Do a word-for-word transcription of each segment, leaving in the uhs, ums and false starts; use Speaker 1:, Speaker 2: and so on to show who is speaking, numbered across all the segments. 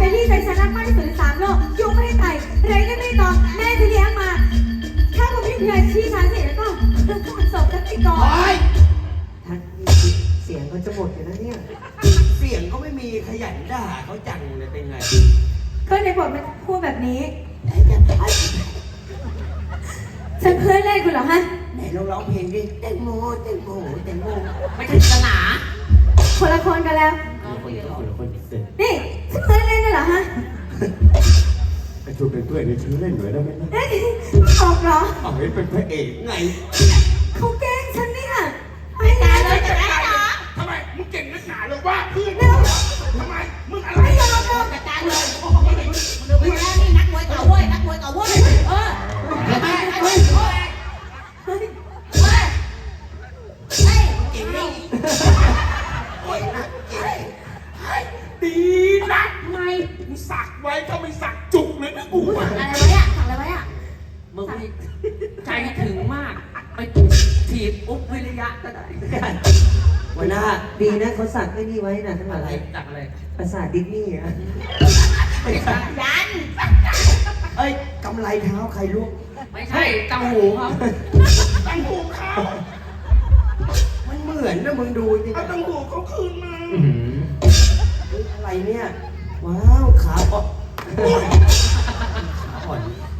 Speaker 1: แต่นี่ใจฉันรักมากที่สุดในสามโลกยุงไม่ให้ไต่ไรก็ไม่ตอมแม่จะเลี้ยงมาถ้าผมไม่เพื่อนชี้ฉันเสร็จแล้วก็เรื่องของศพกันไปก่อน
Speaker 2: ท่านเสียงเขาจะหมดอยู่นะเนี่ย
Speaker 3: เสียงก็ไม่มีขยันด่าเขาจังเลยเป็นไง
Speaker 1: ก็ในบทมันพูดแบบนี้ฉันเพื่อนเล่นกูเหรอฮะ
Speaker 3: ไหนลองร้องเพลงดิแตงโมแตงโมแตงโม
Speaker 4: ไม่ใช่ศาสนา
Speaker 1: คนละคนกันแล้ว
Speaker 3: คนละคนละคนเสร็จ
Speaker 1: นี่ฉันเพื่อนเล่นกันเหรอฮะ
Speaker 3: ไอ้ชวนเป็นเพื่อนในชื่อเล่นหน่อยได้ไหมนะ
Speaker 1: ออกเหรอ
Speaker 3: เอาให้เป็นพระเอกไง
Speaker 1: เขาแกล้งฉันเนี่ย
Speaker 4: ไปตายเลยจะได้เหรอ
Speaker 3: ทำไมมึงเก่งนักหนาเลยว่าเพื่อนทำไมมึงอะไร
Speaker 1: ไม่ยอมหรอก
Speaker 4: จัดการเลยมึงดูแล้วนี่นักมวยเก่าเว้ยนักมวยเก่าเว้ยเออทำไมเฮ้ยเฮ้ยเฮ้ยเฮ้ยเก่งนี่
Speaker 3: โอ้ยนะเก่งดีนะไม่มึงสักไว้ถ้าไม่สักจุกเลยนะกู
Speaker 4: อะไรไว้อะสั่งอะไรไว้อะมึงใจถึงมากไปถีบอุ๊บวิริยะก็ได้
Speaker 2: วันหน้าดีนะเขาสักไอ้นี่ไว้นะทั้งหลาย
Speaker 4: สักอะไร
Speaker 2: ภาษาดิสนีย์อะ
Speaker 4: ยัน
Speaker 3: เอ้ยกำไรเท้าใครลูก
Speaker 4: ไม่ใช่ตังหูครับ
Speaker 3: ตังหูเขามันเหมือนนะมึงดูจริงตังหูเขาคืนมาอะไรเนี่ยว้าวขาอ่อนขาอ่อน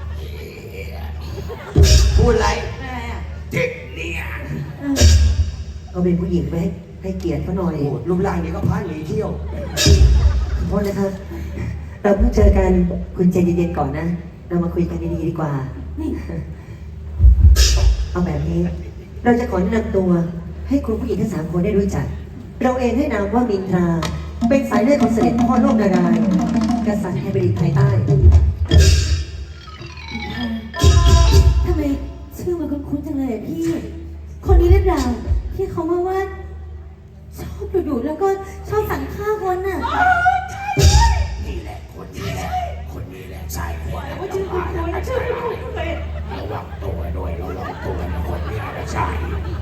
Speaker 3: พูดอะไรเจ็บเนี่ย
Speaker 2: เขาเป็นผู้หญิงไหมให้เกียรติเขาหน่อย
Speaker 3: รูปร่างนี้ก็พาหนีเที่ยว
Speaker 2: ขอโทษนะครับเราเพิ่งเจอกันคุณใจเย็นๆก่อนนะเรามาคุยกันดีๆดีกว่าเอาแบบนี้เราจะขอแนะนำตัวให้คุณผู้หญิงทั้งสามคนได้รู้จักเราเองให้นามว่ามินทราเป็นสายเลือดของเสด็จพ่อโลกนารายณ์กษัตริย์แห่งแผ่นดินไทยใต้
Speaker 1: ทำไมชื่อมันคุ้นๆจังเลยพี่คนนี้หรือเปล่าที่เขาว่าว่าชอบดุๆแล้วก็ชอบสั่งฆ่าคนน่ะ
Speaker 3: นี่แหละคนนี้แหละคนนี้แหละชายคนนี้ว่าชื่อคุณคุณชื่อคุณคุณเลยระวังตัวด้วยระวังตัวนะคนนี้แหละชาย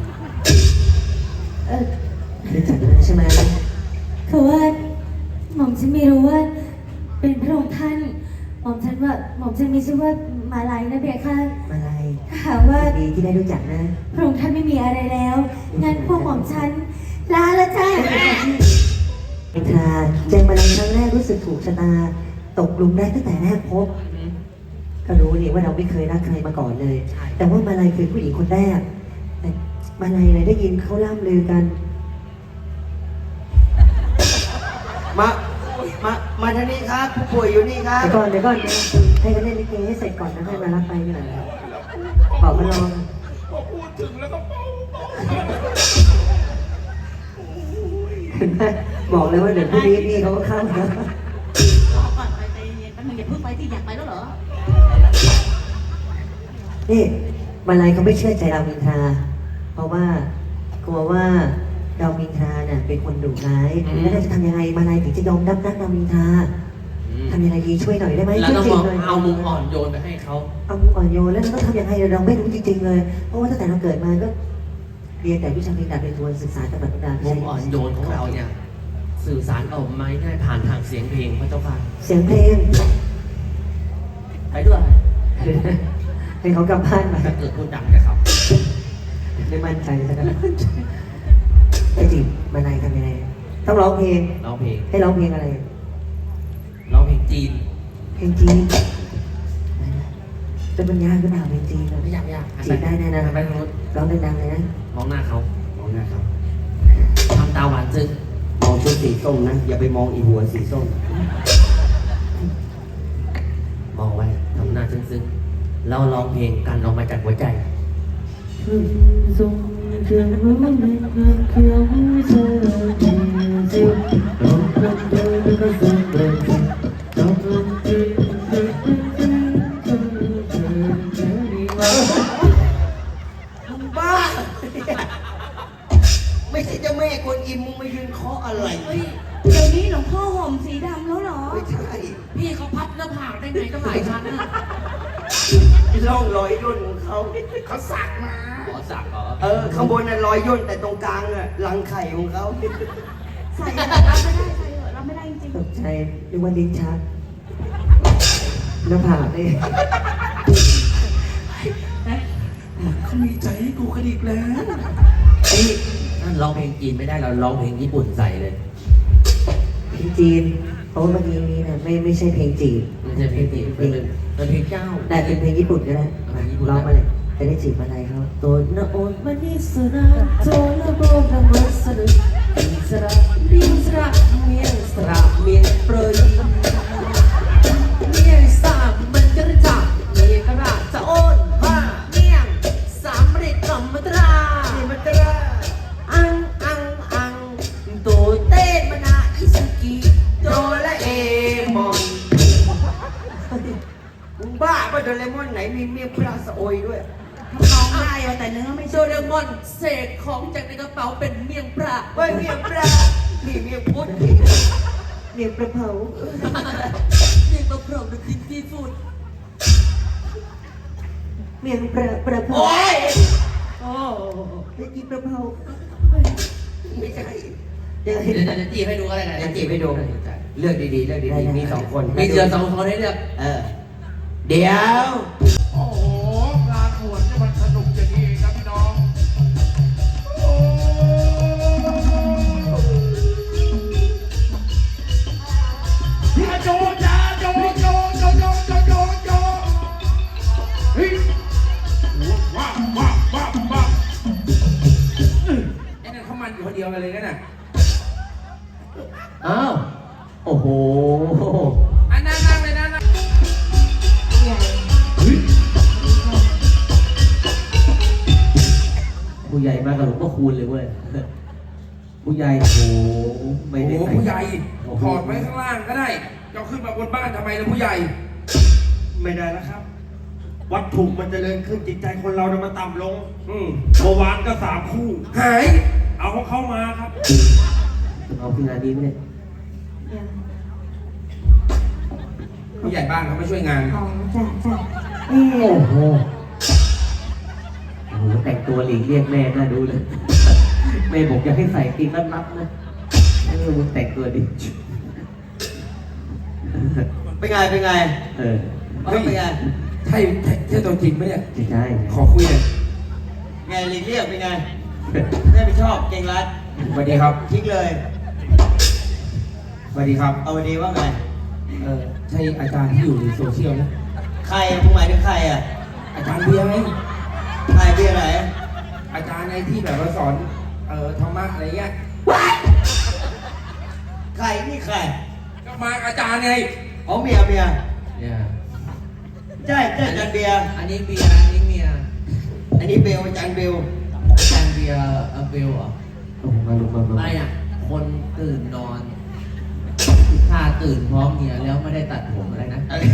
Speaker 2: เออรู้จักกันใช่ไหม
Speaker 1: คือว่าหม่อมฉันไม่รู้ว่าเป็นพระองค์ท่านหม่อมฉันว่าหม่อมฉันมีชื่อว่ามาลัยนะเบียค่ะ
Speaker 2: มาลัย
Speaker 1: ถามว่า
Speaker 2: ดีที่ได้รู้จักนะ
Speaker 1: พระองค์ท่านไม่มีอะไรแล้วงั้นพวกหม่อมฉันลาละจ้า
Speaker 2: มินทราเจอมาลัยครั้งแรกรู้สึกถูกชะตาตกหลุมได้ตั้งแต่แรกพบก็รู้นี่ว่าเราไม่เคยรักใครมาก่อนเลยแต่ว่ามาลัยคือผู้หญิงคนแรกแต่มาลัยเลยได้ยินเขาล่ำลือกัน
Speaker 3: มา มา มาทางนี้ครับผู้ป่วยอยู่นี่ครับ
Speaker 2: เดี๋ยวก่อนเดี๋ยวก่อนให้เขาเล่นลิเกให้เสร็จก่อนนะให้มารับไปกันหน่อยขอมาลอง
Speaker 3: พอพูดถึงแล้วก็เป้า
Speaker 2: บอกเลยว่าเดี๋ยวพรุ่งนี้พี่เขาก็เข้าแล้ว
Speaker 4: ก่อนไปใจเย็นแป๊บนึงอย่าเพิ่งไปที่อยากไปแล้วเหรอ
Speaker 2: นี่มาลัยเขาไม่เชื่อใจเรามินทราเพราะว่ากลัวว่าเรามินทราเนี่ยเป็นคนดุร้ายแล้วเราจะทำยังไงมาลัยถึงจะยอมรับนักเรามินทราทำยังไงดีช่วยหน่อยได้ไหม
Speaker 4: ช่วยจริงเลยเอามุมอ่อนโยนไปให้เขา
Speaker 2: เอามุมอ่อนโยนแล้วเราต้องทำยังไงเราไม่รู้จริงๆเลยเพราะว่าตั้งแต่เราเกิดมาก็เรียนแต่วิชาเพลงดาบเป็นทวนศึกษาตำราตำรา
Speaker 4: มุมอ่อนโยนของเราเนี่ยสื่อสารออกมาได้ผ่านทางเสียงเพลงพระเจ้าค่ะ
Speaker 2: เสียงเพลง
Speaker 4: ไปด้วย
Speaker 2: ให้เขากลับบ้านไป
Speaker 4: ถ้าเกิดพูดดังจะครับ
Speaker 2: ไม่มั่นใจซะแล้วไอ้จริงมาลัยทำยังไงต้องร้องเพลง
Speaker 4: ร้องเพลง
Speaker 2: ให้ร้องเพลงอะไร
Speaker 4: ร้องเพลงจีน
Speaker 2: เพลงจีนเป็นปัญญาหรือเปล่าเพลงจีน
Speaker 4: ไม่ยากไม่ยาก
Speaker 2: จีนได้แน่นะ
Speaker 4: ไปทางนู้น
Speaker 2: ร้องดังๆเลยนะ
Speaker 4: มองหน้าเขามองหน้าเขาทำตาหวานซึ้ง
Speaker 3: มองชุดสีส้มนะอย่าไปมองอีหัวสีส้ม
Speaker 4: มองไว้ทำหน้าซึ้งๆเราร้องเพลงกันออกมาจากหัวใจ
Speaker 2: ส่งเพียงรู้ในเพียงเพียงเธอจริงจริงร้องเพลงเธอแล้วก็ส่งเพลงร้องเพลงจริงจริงจริงจริงจริงจริงจริงดีมาก
Speaker 3: มึงบ้าไม่ใช่เจ้าแม่กวนอิมมึงมายืนเคาะอะไร
Speaker 1: เดี๋ยวนี้หลวงพ่อห่มสีดำแล้วเหรอ
Speaker 3: ไม่ใช่
Speaker 4: พี่เขาพับหน้าผากได้ไงก็หลายชั้นนะ
Speaker 3: ร่องรอยย่นของเขาเขาสักมา
Speaker 4: ขอสักเหรอ
Speaker 3: เออข้างบนน่ะรอยย่นแต่ตรงกลางอ่ะรังไข่ของเขา
Speaker 1: ใส่เราไม่ได้ใส่เราไม่ได้จริง
Speaker 2: ตกใจนึกว่าลิ้นชักหน้าผากเลย
Speaker 3: เขามีใจให้กูกระดิกแล้ว
Speaker 4: เอ้ยนั่นร้องเพลงจีนไม่ได้เราร้องเพลงญี่ปุ่นใส่เลย
Speaker 2: เพลงจีนเพราะว่าเมื่อกี้นี้นะไม่ไม่ใช่เพลงจีน
Speaker 4: ไม่ใช่เพลงจีนเป็นเป็นเพลงเจ้า
Speaker 2: แต่เป็นเพลงญี่ปุ่นก็ได้
Speaker 4: เพลงญี่ปุ่น
Speaker 2: ร้องมาเลยจะได้จีบอะไรเขาตัวนาโอนมานิสระโตนาโบนามัสระอิสระดิสระเมียงสระเมียงเปรยเมียงสามมันจะระจับเมียงกระราจะโอนว่าเมียงสามเรกกัมมัตราเมียงมัตราอังอังอังโตเต้มานาอิสุกิโตละเอมอน
Speaker 3: มึงบ้าป่ะโดเรมอนไหนมีเมียพระสโอยด้วย
Speaker 4: ร้องได้แต่เนื้อไม่โดเรมอนเสกของจากในกระเป๋าเป็นเมียงปลา
Speaker 3: เฮ้ยเมียพระนี่เมียพุทธ
Speaker 2: เมียงประเผา
Speaker 4: เมียงปลาเผาดูกินซีฟู้ด
Speaker 2: เมียงประประเผา
Speaker 3: โอ้ย
Speaker 4: โอ้
Speaker 2: ไม่กินประเผา
Speaker 3: ไม่ใช่
Speaker 2: เดี๋ยว
Speaker 4: เดี๋ยวจะจีบให้ดูอะไรกัน
Speaker 3: จะจีบให้ดูเลือกดีๆเลือกดีๆมีสองคน
Speaker 4: มีเดือนสองคนให้เลือก
Speaker 3: เออเดี๋ยว
Speaker 5: โอ้โห งานบวชเนี่ยมันสนุกอย่างนี้เองนะพี่น้องโอ้พี่อาโจจ้าโจโจโจโจโจโจโจเฮ้ยว้าวว้าวว้าวว้าวไอ้นั่นเขามันอยู่คนเดียวกันเลยนั่นน่ะ
Speaker 2: อ้าวโอ้โห
Speaker 5: อันนั่งนั่งเลยนั่งนั่ง
Speaker 2: ผู้ใหญ่มากับหลวงพ่อคูณเลยเว้ยผู้ใหญ่โอ้โหไม่
Speaker 5: โอ้
Speaker 2: ได้
Speaker 5: โห
Speaker 2: ใส่
Speaker 5: ผู้ใหญ่ถอดไว้ข้างล่างก็ได้จะขึ้นมาบนบ้านทำไมล่ะผู้ใหญ่
Speaker 6: ไม่ได้แล้วครับ วัตถุมันจเจริญขึ้นจิตใจคนเราเนี่ยมันต่ำลง
Speaker 5: อืม
Speaker 6: เมื่อวานก็สามคู่
Speaker 5: หาย
Speaker 6: เอาของเขามาครับ
Speaker 2: เอาคืองานนี้ไหมเนี่ย
Speaker 5: ผู้ใหญ่บ้านเขาไม่ช่วยงาน
Speaker 1: อ๋อจ้ะจ้ะเอ
Speaker 2: โอ้
Speaker 1: อ
Speaker 2: โหโอ้โหแต่งตัวหลีกเลี่ยงแม่น่าดูเลยแม่บอกอยากให้ใส่ตีนรัดๆนะเออมึงแต่งตัวดิ
Speaker 3: เป็นไงเป็นไง
Speaker 2: เออ
Speaker 3: เฮ้ยเป็นไง
Speaker 5: ใช่ใช่ใช่ตัวจริงไหมเนี่ย
Speaker 2: ใช่ใช่
Speaker 5: ขอคุยหน่อย
Speaker 3: ไงลิงเรียกเป็นไงแม่ไม่ชอบเก่งรัด
Speaker 5: สวัสดีครับ
Speaker 3: ทิ้งเลย
Speaker 5: สวัสดีครับ
Speaker 3: เอาวันนี้ว่าไง
Speaker 5: เออใช่อาจารย์ที่อยู่ในโซเชียลนะ
Speaker 3: ใครมึงหมายถึงใครอ่ะ
Speaker 5: อาจารย์เบียร์ไง
Speaker 3: ใครเบียร์ไหน
Speaker 5: อาจารย์ในที่แบบว่าสอน เอ่อธรรมะอะไรเงี้ย
Speaker 3: ใครนี่ใคร
Speaker 5: ก็มาอาจารย์ไง
Speaker 3: อ๋อเมียเมีย
Speaker 4: เนี่ย
Speaker 3: ใช่ใช่อาจารย์เบียร์
Speaker 4: อันนี้เบียร์อันนี้เมีย
Speaker 3: อันนี้เบลอาจารย์เบล
Speaker 4: อาจารย์เบียร์เออเบลเหรอ
Speaker 2: โอ้โหมาลุกมามา
Speaker 4: ไม่อ่ะคนตื่นนอนถ้าตื่นพร้อมเมียแล้วไม่ได้ตัดผมอะไรนะ
Speaker 3: อะไร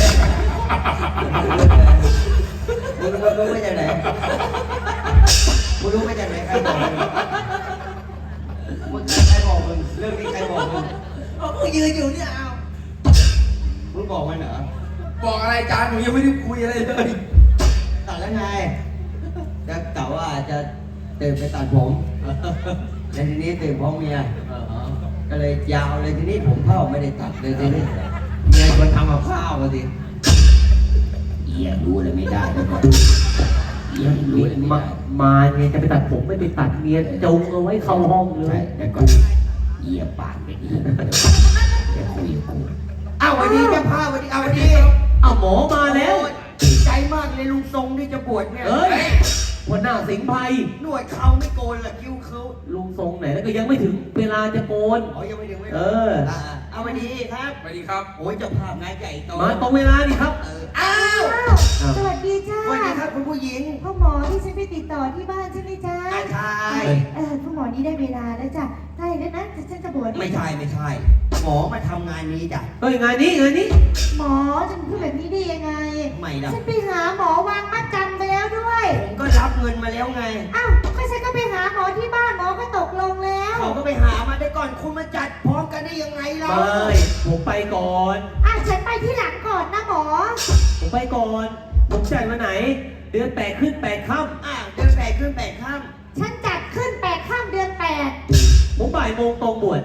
Speaker 3: มึงรู้รู้มาจากไหนมึงรู้มาจากไหนใครบอกมึงมึงใครบอกมึงเรื่องนี้ใครบอกมึง
Speaker 4: ก็ยืนอยู่เนี่ยเอา
Speaker 3: มึงบอกมันเหรอ
Speaker 5: บอกอะไรอาจารย์หนูยังไม่ได้คุยอะไรเลย
Speaker 3: ตัดแล้วไงจะกล่าวว่าจะตื่นไปตัดผมแล้วทีนี้ตื่นพร้อมเมีย
Speaker 4: เออ
Speaker 3: ก็เลยยาวเลยทีนี้ผมเข้าไม่ได้ตัดเลยทีนี้
Speaker 4: เมียคนทำกับข้าวมาสิ
Speaker 3: เอียรู้เลยไม่ได้เลยเอียรู้เลยไม่
Speaker 2: มา
Speaker 3: ได้
Speaker 2: มาเนี่ยจะไปตัดผมไม่ไปตัดเมียจงเอาไว้เข้าห้องเล
Speaker 3: ใช่
Speaker 2: ย
Speaker 3: แต่ก่อนเอียปากไปดีจะคุยกับกูอ้าววันนี้เจ้าภาพวันนี้เอาวันนี้
Speaker 2: เอาหมอมาแล้ว
Speaker 3: ดีใจมากเลยลุงทรงที่จะบวชเนี่ย
Speaker 2: เอ้ยหัวหน้าสิงห์ไพร
Speaker 3: หนวดเขาไม่โกนละคิ้วเขา
Speaker 2: ลุงทรงไหนแล้วก็ยังไม่ถึงเวลาจะโกน
Speaker 3: อ๋อยังไม่ถึงไม่
Speaker 2: เออ
Speaker 3: เอาวันนี้ครับ
Speaker 5: สวัสดีครับ
Speaker 3: โอ้ยเจ้าภาพงานใหญ่โต
Speaker 2: มาตรงเวลานี่ครับ
Speaker 3: เอออ้าว
Speaker 1: อ้าวสวัสดีจ้า
Speaker 3: สวัสดีครับคุณผู้หญิง
Speaker 1: พ่อหมอที่ฉันไปติดต่อที่บ้านใช่ไหมจ้า
Speaker 3: อาชาย
Speaker 1: เออพ่อหมอนี่ได้เวลาแล้วจ้ะได้แล้วนะฉันจะบวช
Speaker 3: ไม่ใช่ไม่ใช่ หมอมาทำงานนี้จ้ะ
Speaker 2: เฮ้ยงานนี้งานนี้
Speaker 1: หมอจะพูดแบบนี้ได้ยังไง
Speaker 3: ไม่นะ
Speaker 1: ฉันไปหาหมอวางมัดจำไปแล้วด้วย
Speaker 3: ผมก็รับเงินมาแล้วไง
Speaker 1: อ้าวก็ฉันก็ไปหาหมอที่บ้านหมอก็ตกลงแล้ว
Speaker 3: เขาก็ไปหามาได้ก่อนคุณมาจัดพร้อมกันได้ยังไงเรา
Speaker 2: ไม่ผมไปก่อน
Speaker 1: อ่ะฉันไปที่หลังก่อนนะหมอ
Speaker 2: ผมไปก่อน ผมจ่ายวันไหน เดือนแปดขึ้นแปดค่
Speaker 3: อ่ะเดินแปดขึ้นแปดข้าม
Speaker 1: ฉันจัดขึ้นแปดข้ามเดือนแปด
Speaker 2: ำผมบ่ายโมงตรงบวช
Speaker 1: นี่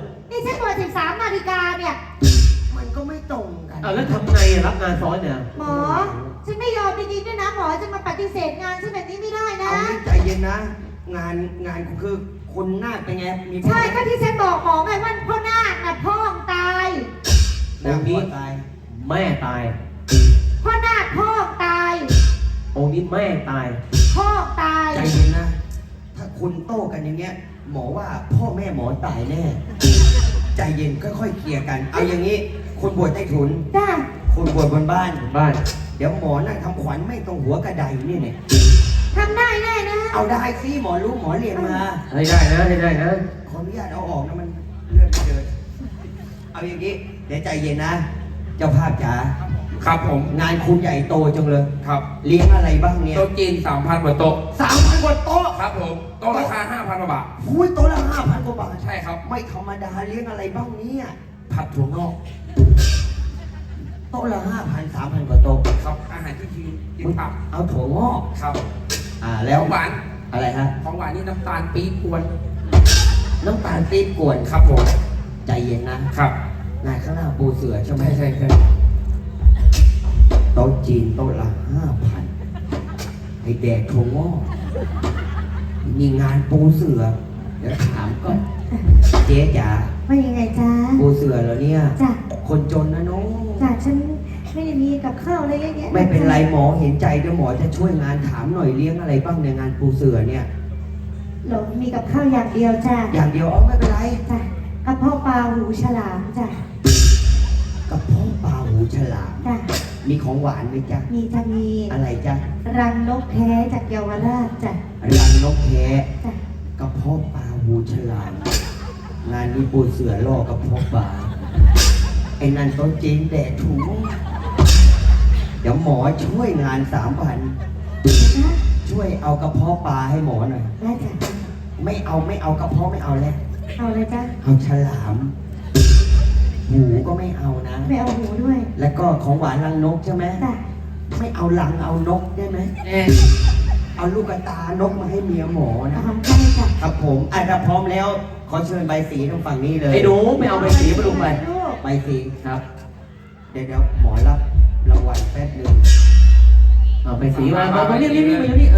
Speaker 4: ฉันบอกสิบสามนาฬิกาเนี่ย
Speaker 3: มันก็ไม่ตรงกัน
Speaker 2: เอาแล้วทำไงอะรับงานซ้อนเนี่ย
Speaker 4: หมอ ฉันไม่ยอมจริงๆด้วยนะหมอจะมาปฏิเสธงานฉันแบบนี้ไม่ได้นะ
Speaker 3: เอางี้ใจเย็นนะ งานงานคือคนหน้าคเป็นไง มี
Speaker 4: ใช่ก็ที่ฉันบอกหมอไงว่าพ่อนาคน่ะพ่อตาย
Speaker 3: หน้านี้ตาย
Speaker 2: แม่ตาย
Speaker 4: พ่อนาคพ่อตาย
Speaker 2: องค์นี้แม่ตาย
Speaker 4: พ่อตาย
Speaker 3: ใจเย็นนะ ถ้าคุณโต้กันอย่างเงี้ย หมอว่าพ่อแม่หมอตายแน่ ใจเย็นค่อยๆเคลียร์กัน เอาอย่างนี้คนบวชใต้ถุน
Speaker 4: จ้า
Speaker 3: คนบวชบนบ้าน
Speaker 2: บ้าน
Speaker 3: เดี๋ยวหมอนั่งทำขวัญไม่ตรงหัวกระไดนี่เนี่ย
Speaker 4: ทำได้แน่นะ
Speaker 3: เอาได้สิหมอรู้หมอเรียนมา
Speaker 2: ให้ได้นะให้ได้นะ
Speaker 3: ขออนุญาตเอาออกนะมันเลื่อนไปเลยเอาอย่างนี้เดี๋ยวใจเย็นนะ เจ้าภาพจ๋า
Speaker 5: ครับผม
Speaker 3: งานคุณใหญ่โตจังเลย
Speaker 5: ครับ
Speaker 3: เลี้ยงอะไรบ้างเนี่ย
Speaker 5: โต๊ะจีนสามพันกว่าโต๊ะ
Speaker 3: สามพันกว่าโต๊ะ
Speaker 5: ครับผม โต๊ะราคาห้าพันกว่าบาท
Speaker 3: หุ้ยโต๊ะละห้าพันกว่าบาท
Speaker 5: ใช่ครับ
Speaker 3: ไม่ธรรมดาเลี้ยงอะไรบ้างเนี่ย
Speaker 5: ผัดถั่วงอก
Speaker 3: โต๊ะละห้าพันสามพันกว่าโต๊ะ
Speaker 5: ครับ อาหารที่ทีกินผัก
Speaker 3: เอาถั่วงอก
Speaker 5: ครับ
Speaker 3: อ่า
Speaker 5: แล้
Speaker 3: แล้ว ว
Speaker 5: หวาน
Speaker 3: อะไรฮะ
Speaker 5: ของหวานนี่น้ำตาลปี๊บกวน
Speaker 3: น้ำตาลปี๊บกวน
Speaker 5: ครับผม
Speaker 3: ใจเย็นนะ
Speaker 5: ครับ
Speaker 3: งานข้างหน้าปูเสือใช่ไหม
Speaker 5: ใช่ใช่ใช่
Speaker 3: โต๊ะจีนโต๊ะละห้าพันให้แดกถั่วงอกมีงานปูเสือ เดี๋ยวถามก่อน เจ๊จ๋า
Speaker 1: ว่ายังไงจ๊ะ
Speaker 3: ปูเสือเหรอเนี่ย
Speaker 1: จ้ะ
Speaker 3: คนจนนะน้อง
Speaker 1: จ้ะฉันไม่ได้มีกับข้าวอะไรเยอะแยะ
Speaker 3: ไม่เป็นไรหมอเห็นใจเดี๋ยวหมอจะช่วยงานถามหน่อยเลี้ยงอะไรบ้างในงานปูเสือเนี่ย
Speaker 1: หลงมีกับข้าวอย่างเดียวจ้ะ
Speaker 3: อย่างเดียวเอาไม่เป็นไร
Speaker 1: จ้ะกระเพาะปลาหูฉลามจ้ะ
Speaker 3: กระเพาะปลาหูฉลาม
Speaker 1: จ้ะ
Speaker 3: มีของหวานไหมจ๊ะ
Speaker 1: มีจะมี
Speaker 3: อะไรจ๊ะ
Speaker 1: รังนกแท้จากเยาวราชจ้ะ
Speaker 3: รังนกแท้
Speaker 1: จ้ะ
Speaker 3: กระเพาะปลาหูฉลามงานนี้ปูเสือล่อกระเพาะปลาไอ้นั่นต้นจีนแดดถูเดี๋ยวหมอช่วยงานสามพัน
Speaker 1: นะ
Speaker 3: ช่วยเอากระเพาะปลาให้หมอหน่อย
Speaker 1: ได้จ้ะ
Speaker 3: ไม่เอาไม่เอากระเพาะไม่เอาแล้ว
Speaker 1: เอาเลยจ้ะ
Speaker 3: เอาฉลาม หูก็ไม่เอานะ
Speaker 1: ไม่เอาหูด้วย
Speaker 3: แล้วก็ของหวานรังนกใช่ไหม
Speaker 1: จ้ะ
Speaker 3: ไม่เอารังเอานกได้ไหม
Speaker 5: เอ๊ะ
Speaker 3: เอาลูกกระตานกมาให้เมียหมอนะ
Speaker 1: ทำได้จ้ะ
Speaker 3: ครับผมอ่ะถ้าพร้อมแล้ว ขอเชิญใบสีทางฝั่งนี้เลย
Speaker 2: ไอ้หนูไม่เอาไปสีมาดูไป
Speaker 1: ลูก
Speaker 3: ใบสีครับ เดี๋ยวเดี๋ยวหมอรับรางวัลแป๊บหนึง
Speaker 2: เอาไปสีมามามาเรียกเรียกเรียกมาเรียก